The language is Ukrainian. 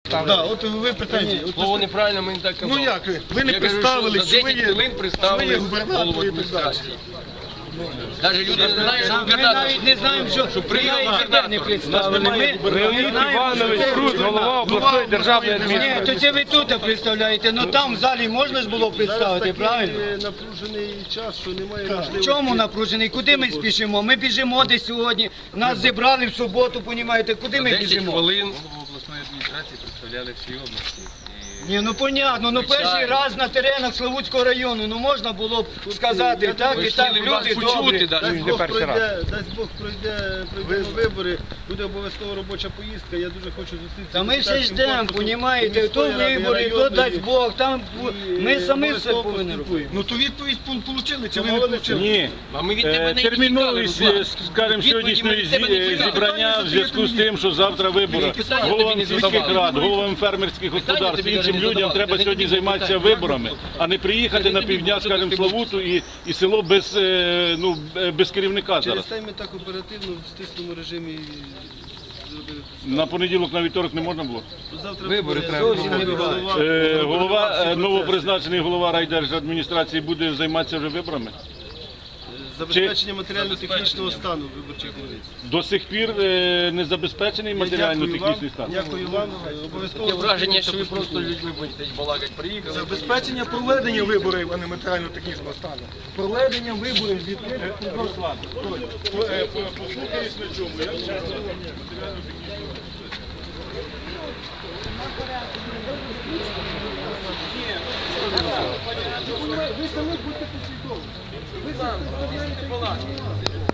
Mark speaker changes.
Speaker 1: Да, от ви питаєте.
Speaker 2: Слово неправильно, ми не так казали.
Speaker 1: Ну як ви не представили,
Speaker 2: що
Speaker 1: ви є
Speaker 2: голову адміністрації. Навіть люди не знають, що
Speaker 3: Ми навіть не знаємо, що приїхав не представили.
Speaker 4: Леонід Іванович Круз, голова обласної державної адміністрації.
Speaker 3: Ні, то це ви тут представляєте, ну там в залі можна ж було представити, правильно?
Speaker 1: Напружений час, що немає
Speaker 3: В
Speaker 1: можливості.
Speaker 3: чому напружений? Куди ми спішимо? Ми біжимо десь сьогодні, нас зібрали в суботу, понімаєте, куди ми
Speaker 2: 10
Speaker 3: біжимо?
Speaker 2: хвилин.
Speaker 5: Голову обласної адміністрації представляли всі області.
Speaker 3: Ні, ну понятно, ну перший раз на теренах Славутського району, ну можна було б сказати, так і так, люди добрі.
Speaker 1: Дасть Бог пройдемо вибори, буде обов'язково робоча поїздка, я дуже хочу зустрітися.
Speaker 3: Та ми ще ждемо, понімаєте, то вибори, то дасть Бог, там ми самі все повинні робити.
Speaker 1: Ну то відповідь отримали чи ви не отримали?
Speaker 4: Ні,
Speaker 2: А ми від тебе не
Speaker 4: терміновість, скажімо, сьогоднішньої зібрання в зв'язку з тим, що завтра вибори. Головам сільських рад, головам фермерських господарств, іншим людям треба сьогодні займатися виборами, а не приїхати на півдня, скажімо, Славуту і село без керівника
Speaker 1: Через
Speaker 4: зараз.
Speaker 1: те ми так оперативно в стисному режимі зробили.
Speaker 4: На понеділок, на вівторок не можна було?
Speaker 1: Завтра
Speaker 2: Вибори
Speaker 1: буде
Speaker 2: треба.
Speaker 1: зовсім не
Speaker 4: Голова, новопризначений голова райдержадміністрації буде займатися вже виборами?
Speaker 1: забезпечення матеріально-технічного стану виборчих дільниць.
Speaker 4: До сих пір не забезпечений матеріально-технічний стан?
Speaker 1: Дякую вам. Обов'язково
Speaker 2: Таке враження, що ви просто людьми будете балакати. Приїхали.
Speaker 6: Забезпечення проведення виборів, а не матеріально-технічного стану. Проведення виборів з відкритих Руслан. Послухаюсь на чому.
Speaker 2: Ви самі будьте послідовні. Ви там,